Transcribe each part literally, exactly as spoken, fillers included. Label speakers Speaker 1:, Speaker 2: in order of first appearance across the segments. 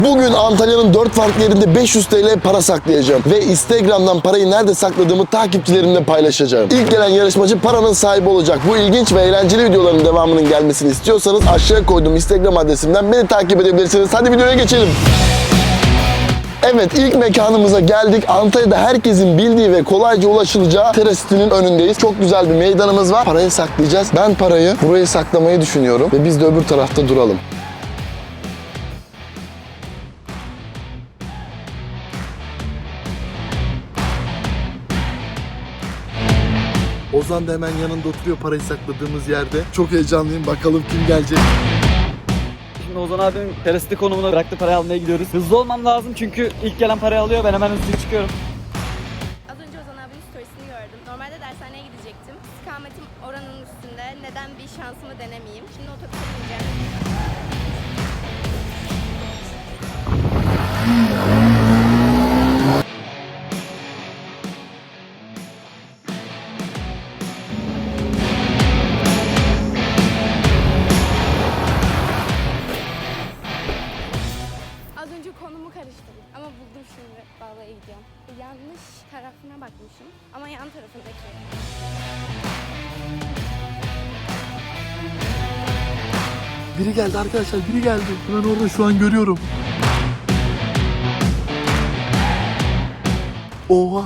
Speaker 1: Bugün Antalya'nın dört farklı yerinde beş yüz TL para saklayacağım. Ve Instagram'dan parayı nerede sakladığımı takipçilerimle paylaşacağım. İlk gelen yarışmacı paranın sahibi olacak. Bu ilginç ve eğlenceli videoların devamının gelmesini istiyorsanız aşağıya koyduğum Instagram adresimden beni takip edebilirsiniz. Hadi videoya geçelim. Evet, ilk mekanımıza geldik. Antalya'da herkesin bildiği ve kolayca ulaşılacağı Terasit'in önündeyiz. Çok güzel bir meydanımız var. Parayı saklayacağız. Ben parayı buraya saklamayı düşünüyorum ve biz de öbür tarafta duralım. Ozan da hemen yanında oturuyor parayı sakladığımız yerde. Çok heyecanlıyım. Bakalım kim gelecek.
Speaker 2: Şimdi Ozan abinin terasite konumuna bıraktı, parayı almaya gidiyoruz. Hızlı olmam lazım çünkü ilk gelen parayı alıyor, ben hemen hızlı çıkıyorum.
Speaker 3: Az önce Ozan abinin storiesini gördüm. Normalde dershaneye gidecektim. İstikametim oranın üstünde. Neden bir şansımı denemeyeyim? Şimdi otobüse bineceğim. Az önce konumu karıştırdım ama buldum şimdi. Bağlaya gidiyorum. Yanlış tarafına bakmışım ama yan tarafındaki.
Speaker 1: Biri geldi arkadaşlar, biri geldi. Ben orada şu an görüyorum. Oha.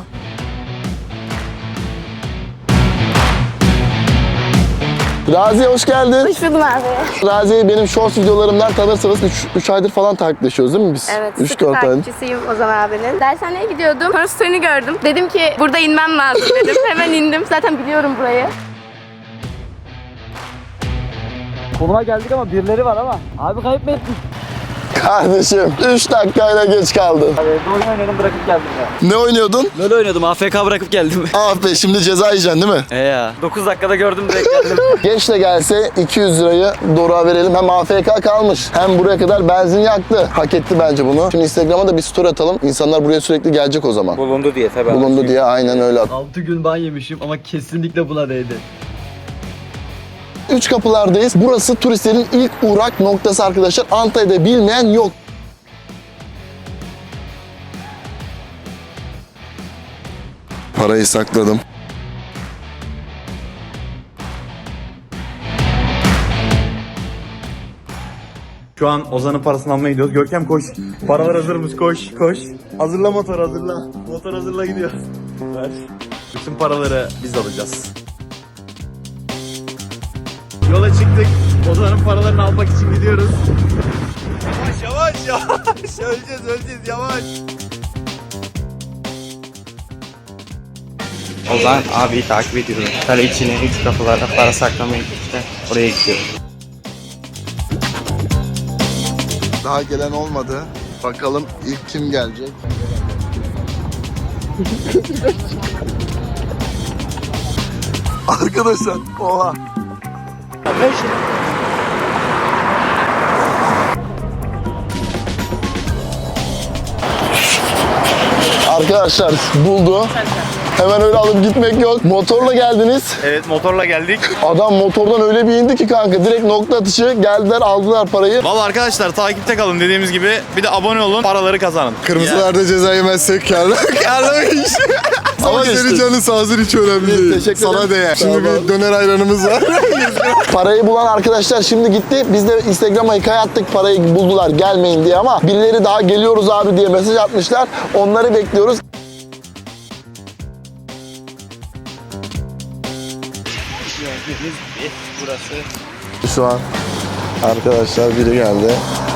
Speaker 1: Raziye hoş geldin.
Speaker 3: Hoş buldum abi.
Speaker 1: Raziye'yi benim shorts videolarımdan tanırsınız. üç aydır falan takipleşiyoruz değil mi biz?
Speaker 3: Evet,
Speaker 1: üç
Speaker 3: sıkı
Speaker 1: dört ay.
Speaker 3: takipçisiyim Ozan abinin. Dershaneye gidiyordum. Sonra story'ini gördüm. Dedim ki burada inmem lazım dedim. Hemen indim. Zaten biliyorum burayı.
Speaker 2: Konuma geldik ama birileri var ama. Abi kayıp mı ettin?
Speaker 1: Kardeşim üç dakikayla geç kaldın.
Speaker 2: Abi evde oyun oynadım, bırakıp geldim ya.
Speaker 1: Ne oynuyordun?
Speaker 2: Böyle oynuyordum, A F K bırakıp geldim.
Speaker 1: Ah be, şimdi ceza yiyeceksin değil mi?
Speaker 2: He ya. dokuz dakikada gördüm, direkt geldim.
Speaker 1: Geç de gelse iki yüz lirayı Doruk'a verelim. Hem A F K kalmış hem buraya kadar benzin yaktı. Hak etti bence bunu. Şimdi Instagram'a da bir story atalım. İnsanlar buraya sürekli gelecek o zaman.
Speaker 2: Bulundu diye tabii.
Speaker 1: Bulundu diye aynen öyle at.
Speaker 2: altı gün ban yemişim ama kesinlikle buna değdi.
Speaker 1: Üç kapılardayız. Burası turistlerin ilk uğrak noktası arkadaşlar. Antalya'da bilmeyen yok. Parayı sakladım.
Speaker 4: Şu an Ozan'ın parasını almaya gidiyoruz. Görkem koş. Paralar hazırmış, koş koş. Hazırla motor, hazırla. Motor hazırla, gidiyor. Ver. Bütün paraları biz alacağız. Yola çıktık. Ozan'ın paralarını almak için gidiyoruz. Yavaş yavaş yavaş. Öleceğiz öleceğiz, yavaş.
Speaker 5: Ozan abiyi takip ediyorum. Kale içine üç kapılarda para saklamaya gitti. Oraya gidiyor.
Speaker 1: Daha gelen olmadı. Bakalım ilk kim gelecek? Arkadaşlar, oha. Arkadaşlar buldu. Hemen öyle alıp gitmek yok. Motorla geldiniz.
Speaker 4: Evet, motorla geldik.
Speaker 1: Adam motordan öyle bir indi ki kanka. Direkt nokta atışı geldiler, aldılar parayı.
Speaker 4: Vallahi arkadaşlar, takipte kalın dediğimiz gibi. Bir de abone olun, paraları kazanın.
Speaker 1: Kırmızılarda ceza yemezsek karlı. Karlı bir iş. Ama senin canın sağ olsun, hiç önemli değil. Teşekkür ederim. Sana değer. Şimdi bir döner ayranımız var. Parayı bulan arkadaşlar şimdi gitti. Biz de Instagram'a hikaye attık, parayı buldular gelmeyin diye, ama birileri daha geliyoruz abi diye mesaj atmışlar. Onları bekliyoruz.
Speaker 5: Burası.
Speaker 1: Şu an arkadaşlar biri geldi.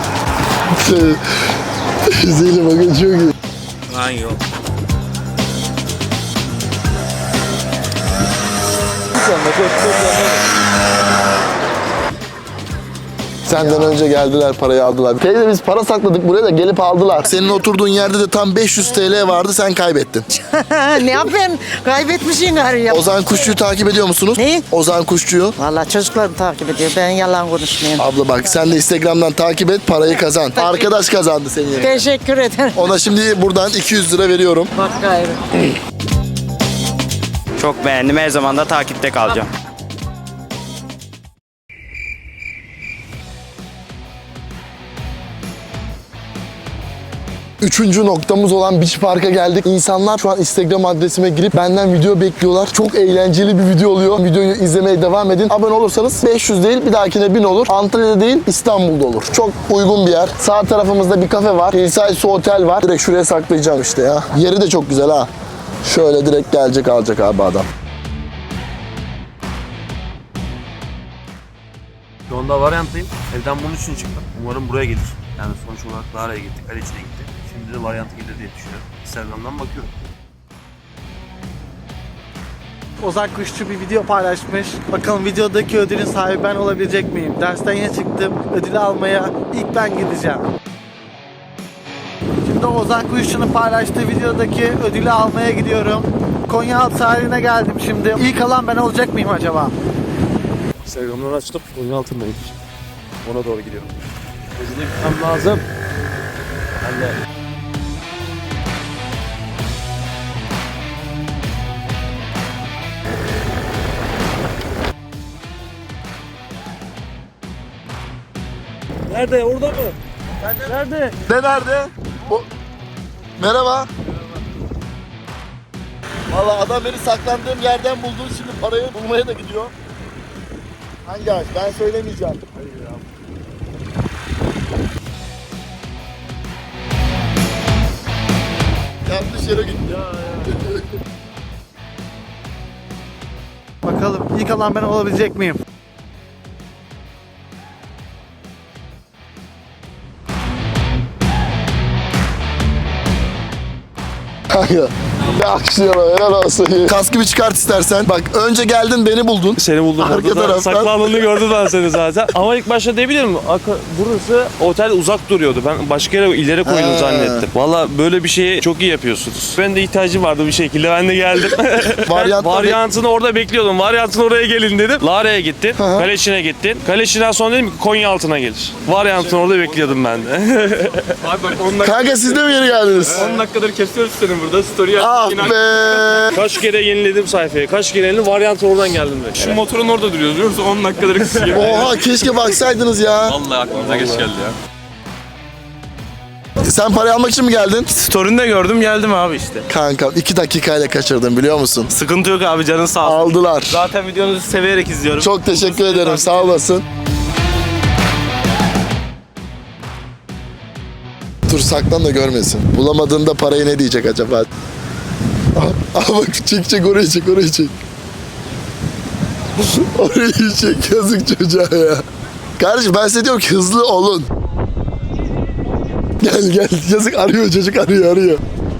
Speaker 1: Güzelim, bakın çok iyi.
Speaker 5: Lan yok.
Speaker 1: Senden önce geldiler, parayı aldılar. Teyze biz para sakladık buraya da gelip aldılar. Senin oturduğun yerde de tam beş yüz TL vardı, sen kaybettin.
Speaker 6: Ne yapayım? Kaybetmişsin gari ya.
Speaker 1: Ozan Kuşçu'yu takip ediyor musunuz?
Speaker 6: Ne?
Speaker 1: Ozan Kuşçu'yu.
Speaker 6: Vallahi çocuklarım takip ediyor. Ben yalan konuşmayayım.
Speaker 1: Abla bak, sen de Instagram'dan takip et, parayı kazan. Arkadaş kazandı senin yerine.
Speaker 6: Teşekkür ederim.
Speaker 1: Ona şimdi buradan iki yüz lira veriyorum.
Speaker 6: Bak gayrı.
Speaker 5: Çok beğendim. Her zaman da takipte kalacağım.
Speaker 1: Üçüncü noktamız olan Beach Park'a geldik. İnsanlar şu an Instagram adresime girip benden video bekliyorlar. Çok eğlenceli bir video oluyor. Videoyu izlemeye devam edin. Abone olursanız beş yüz değil bir dahakine bin olur. Antalya'da değil İstanbul'da olur. Çok uygun bir yer. Sağ tarafımızda bir kafe var. Hillside Su Otel var. Direkt şuraya saklayacağım işte ya. Yeri de çok güzel ha. Şöyle direkt gelecek alacak abi adam.
Speaker 7: Şu anda varyanttayım. Evden bunun için çıktım. Umarım buraya gelir. Yani sonuç olarak Lara'ya gittik, Kaleçi'ne gittik. Şimdi de varyanta gelir diye düşünüyorum. Instagram'dan bakıyorum.
Speaker 8: Ozan Kuşçu bir video paylaşmış. Bakalım videodaki ödülün sahibi ben olabilecek miyim? Dersten yeni çıktım. Ödülü almaya ilk ben gideceğim. Şimdi Ozan Kuşçu'nun paylaştığı videodaki ödülü almaya gidiyorum. Konyaaltı sahiline geldim şimdi. İlk alan ben olacak mıyım acaba?
Speaker 7: Instagram'dan açtım. Oyun altındayım. Ona doğru gidiyorum. Ödülü gitmem lazım. Ben de... Nerede? Orada mı? Nerede?
Speaker 1: Ne nerede? O... Merhaba. Valla adam beni saklandığım yerden buldu. Şimdi parayı bulmaya da gidiyor. Hangi ağaç? Ben söylemeyeceğim. Yanlış yere gitti. Ya, ya.
Speaker 8: Bakalım ilk alan ben olabilecek miyim?
Speaker 1: Kanka. Ne akışıyor helal olsun. Kaskı bir çıkart istersen. Bak önce geldin beni buldun.
Speaker 7: Seni buldum
Speaker 1: Arka
Speaker 7: orada da.
Speaker 1: taraftan.
Speaker 7: Saklandığını gördüm ben seni zaten. Ama ilk başta ne bileyim burası otel uzak duruyordu. Ben başka yere ileri koydum
Speaker 1: He.
Speaker 7: zannettim. Valla böyle bir şeyi çok iyi yapıyorsunuz. Ben de ihtiyacım vardı bir şekilde. Ben de geldim.
Speaker 1: Varyantta
Speaker 7: ben varyantını orada bekliyordum. Varyantını oraya gelin dedim. Lara'ya gittin.
Speaker 1: hı.
Speaker 7: Kaleçi'ne gittin. Kaleçi'den sonra dedim ki Konyaaltı'na gelir. Varyantını orada bekliyordum ben de.
Speaker 9: Abi bak on dakika,
Speaker 1: Kanka siz de mi yeni geldiniz?
Speaker 9: on dakikadır kesiyoruz seni burada. Story
Speaker 1: Ah
Speaker 9: attık. yine-
Speaker 1: be.
Speaker 7: Kaç kere yeniledim sayfayı. Kaç kere yeniledim. Varyantı oradan geldim ben.
Speaker 9: Şu motorun orada duruyoruz biliyor musun? on dakikadır kesiyor.
Speaker 1: Oha keşke baksaydınız ya.
Speaker 9: Vallahi aklımıza geç geldi ya.
Speaker 1: Sen parayı almak için mi geldin?
Speaker 7: Story'inde gördüm geldim abi işte.
Speaker 1: Kanka iki dakikayla kaçırdım biliyor musun?
Speaker 7: Sıkıntı yok abi canın sağ olsun.
Speaker 1: Aldılar.
Speaker 7: Zaten videonuzu severek izliyorum.
Speaker 1: Çok teşekkür ederim sağ olasın. Dur saklan da görmesin. Bulamadığında parayı ne diyecek acaba? Aa, aa bak çek çek orayı çek orayı çek. Orayı çek yazık çocuğa ya. Kardeşim ben size diyorum ki hızlı olun. Gel gel yazık arıyor çocuk arıyor arıyor.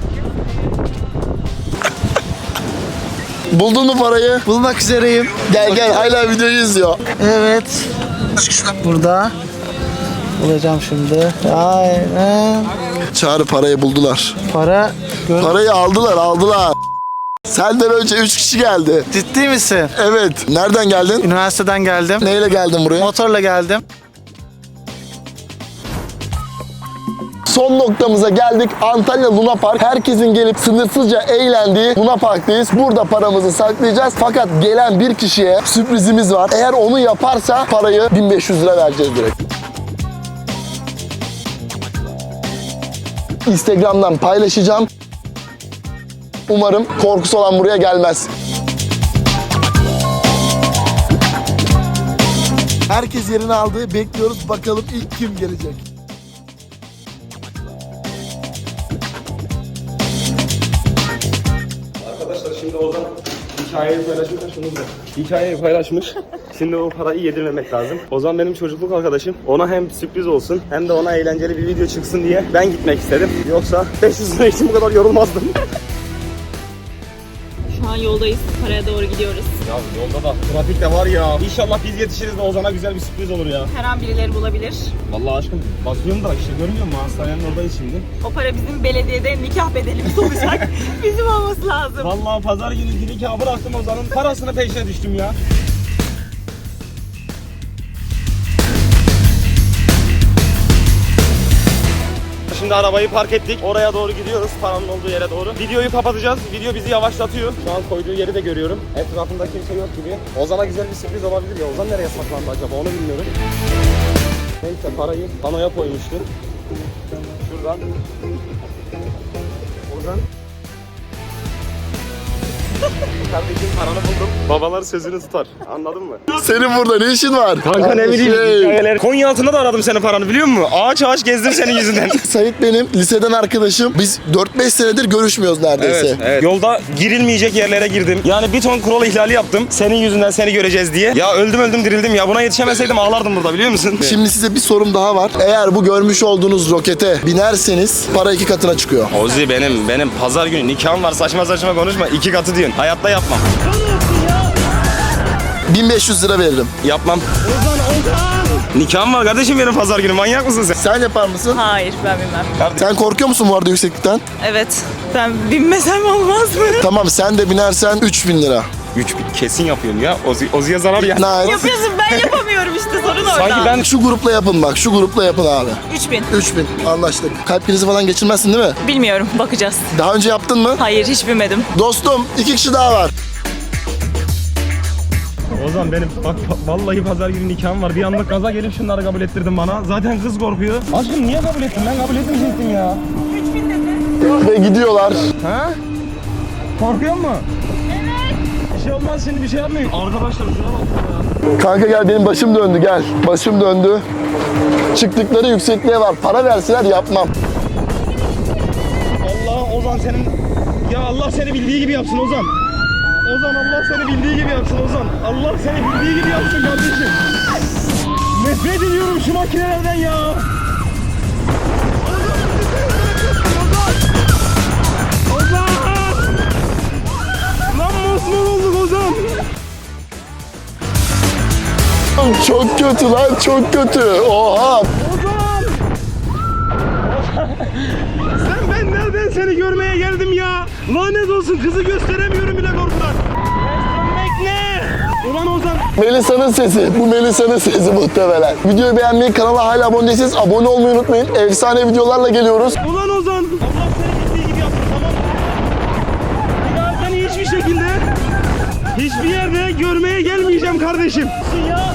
Speaker 1: Buldun mu parayı?
Speaker 8: Bulmak üzereyim.
Speaker 1: Gel gel hala videoyu izliyor.
Speaker 8: Evet. Burada. Bulacağım şimdi. Aynen.
Speaker 1: Çağrı parayı buldular.
Speaker 8: Para. Gör-
Speaker 1: Parayı aldılar aldılar. Senden önce üç kişi geldi.
Speaker 8: Ciddi misin?
Speaker 1: Evet. Nereden geldin?
Speaker 8: Üniversiteden geldim.
Speaker 1: Neyle geldin buraya?
Speaker 8: Motorla geldim.
Speaker 1: Son noktamıza geldik. Antalya Luna Park. Herkesin gelip sınırsızca eğlendiği Luna Park'tayız. Burada paramızı saklayacağız. Fakat gelen bir kişiye sürprizimiz var. Eğer onu yaparsa parayı bin beş yüz lira vereceğiz direkt. Instagram'dan paylaşacağım. Umarım korkusu olan buraya gelmez. Herkes yerini aldı. Bekliyoruz. Bakalım ilk kim gelecek?
Speaker 9: Arkadaşlar şimdi Ozan hikayeyi paylaşmış. Şunu bırak. Hikayeyi paylaşmış. Şimdi o parayı yedirmemek lazım. Ozan benim çocukluk arkadaşım. Ona hem sürpriz olsun hem de ona eğlenceli bir video çıksın diye ben gitmek istedim. Yoksa beş yüz lira için bu kadar yorulmazdım.
Speaker 10: Şu an yoldayız. Paraya doğru gidiyoruz.
Speaker 9: Ya yolda da trafik de var ya. İnşallah biz yetişiriz de Ozan'a güzel bir sürpriz olur ya.
Speaker 10: Her an birileri bulabilir.
Speaker 9: Vallahi aşkım bakıyorum da işte görmüyor musun? Hastanenin oradayız şimdi.
Speaker 10: O para bizim belediyede nikah bedelimiz olacak. Bizim olması lazım.
Speaker 9: Vallahi pazar günü nikahı bıraktım Ozan'ın parasını peşine düştüm ya. Şimdi arabayı park ettik. Oraya doğru gidiyoruz. Paranın olduğu yere doğru. Videoyu kapatacağız. Video bizi yavaşlatıyor. Şu an koyduğu yeri de görüyorum. Etrafında kimse yok gibi. Ozan'a güzel bir sürpriz olabilir ya. Ozan nereye saklandı acaba onu bilmiyorum. Neyse parayı panoya koymuştu. Ozan. Ozan. Kardeşim paranı buldum. Babalar sözünü tutar. Anladın mı?
Speaker 1: Senin burada ne işin var?
Speaker 9: Kanka ne bileyim
Speaker 1: Şey,
Speaker 9: hikayeler. Konya altında da aradım senin paranı biliyor musun? Ağaç ağaç gezdim senin yüzünden.
Speaker 1: Sait benim liseden arkadaşım. Biz dört beş senedir görüşmüyoruz neredeyse.
Speaker 9: Evet, evet. Yolda girilmeyecek yerlere girdim. Yani bir ton kural ihlali yaptım. Senin yüzünden seni göreceğiz diye. Ya öldüm öldüm dirildim ya. Buna yetişemeseydim ağlardım burada biliyor musun?
Speaker 1: Şimdi size bir sorum daha var. Eğer bu görmüş olduğunuz rokete binerseniz para iki katına çıkıyor.
Speaker 9: Ozi benim benim pazar günü nikahım var. Saçma saçma konuşma. İki katı diyorsun. Hayatta yapmam.
Speaker 1: bin beş yüz lira veririm.
Speaker 9: Yapmam. Ozan Ozan. Nikahım var kardeşim benim pazar günü. Manyak mısın sen?
Speaker 1: Sen yapar mısın?
Speaker 10: Hayır ben bilmem.
Speaker 1: Sen korkuyor musun bu arada yükseklikten?
Speaker 10: Evet. Ben binmesem olmaz mı?
Speaker 1: Tamam sen de binersen üç bin lira.
Speaker 9: Üç bin kesin yapıyorum ya. Ozi, Ozi'ye zarar ya.
Speaker 1: Nice.
Speaker 10: Yapıyorsun ben yapamıyorum işte sorun orada.
Speaker 9: Sanki ben
Speaker 1: Şu grupla yapın bak. Şu grupla yapın abi.
Speaker 10: üç bin.
Speaker 1: üç bin anlaştık. Kalp krizi falan geçirmezsin değil mi?
Speaker 10: Bilmiyorum bakacağız.
Speaker 1: Daha önce yaptın mı?
Speaker 10: Hayır hiç binmedim.
Speaker 1: Dostum iki kişi daha var.
Speaker 9: Ozan benim bak vallahi pazar günü nikahım var. Bir anda gaza gelip şunları kabul ettirdin bana. Zaten kız korkuyor. Aşkım niye kabul ettin? Ben kabul etmeyecektim ya.
Speaker 1: Ve gidiyorlar.
Speaker 9: Ha? Korkuyor musun? Evet. Bir şey olmaz şimdi bir şey yapmayın. Arkadaşlar şuna bak ya.
Speaker 1: Kanka gel benim başım döndü gel. Başım döndü. Çıktıkları yüksekliğe var. Para verseler yapmam.
Speaker 9: Allah Ozan senin... Ya Allah seni bildiği gibi yapsın Ozan. Ozan Allah seni bildiği gibi yapsın Ozan. Allah seni bildiği gibi yapsın kardeşim. Nefret ediyorum şu makinelerden ya. Ozan! Lan mosmor olduk Ozan.
Speaker 1: Çok kötü lan çok kötü. Oha.
Speaker 9: Ozan! Sen ben nereden seni görmeye geldim ya? Lanet olsun kızı gösteremiyorum bile korkudan. Göstermek ne? Ulan Ozan.
Speaker 1: Melisa'nın sesi. Bu Melisa'nın sesi muhtemelen. Videoyu beğenmeyi, kanala hala abone değilseniz abone olmayı unutmayın. Efsane videolarla geliyoruz.
Speaker 9: Ulan Ozan. Allah seni bildiği gibi yapsın tamam mı? Bir daha seni hiçbir şekilde hiçbir yerde görmeye gelmeyeceğim kardeşim. Ya.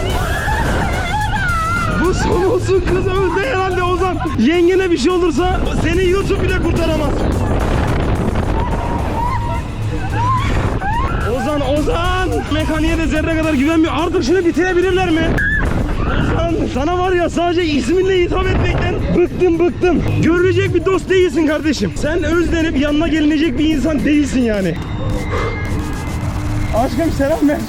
Speaker 9: Bu son olsun kız öldü herhalde Ozan. Yengene bir şey olursa seni YouTube bile kurtaramaz. Ozan Ozan. Mekaniğe de zerre kadar güvenmiyor. Artık şunu bitirebilirler mi? Ozan sana var ya sadece isminle hitap etmekten bıktım bıktım. Görülecek bir dost değilsin kardeşim. Sen özlenip yanına gelinecek bir insan değilsin yani. Aşkım selam ver.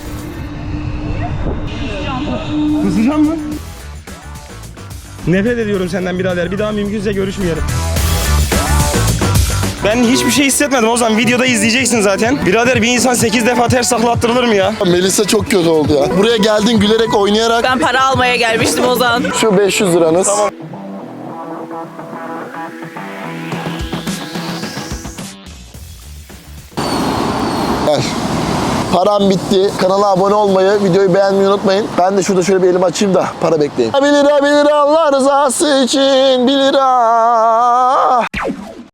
Speaker 9: Kızacağım mı? Nefret ediyorum senden birader. Bir daha mümkünse görüşmeyelim. Ben hiçbir şey hissetmedim o zaman. Videoda izleyeceksin zaten. Birader bir insan sekiz defa ters takla attırılır mı ya?
Speaker 1: Melisa çok kötü oldu ya. Buraya geldin gülerek oynayarak.
Speaker 10: Ben para almaya gelmiştim Ozan.
Speaker 1: Şu beş yüz liranız. Tamam. Gel. Param bitti. Kanala abone olmayı, videoyu beğenmeyi unutmayın. Ben de şurada şöyle bir elimi açayım da para bekleyin. bir lira bir lira Allah rızası için bir lira.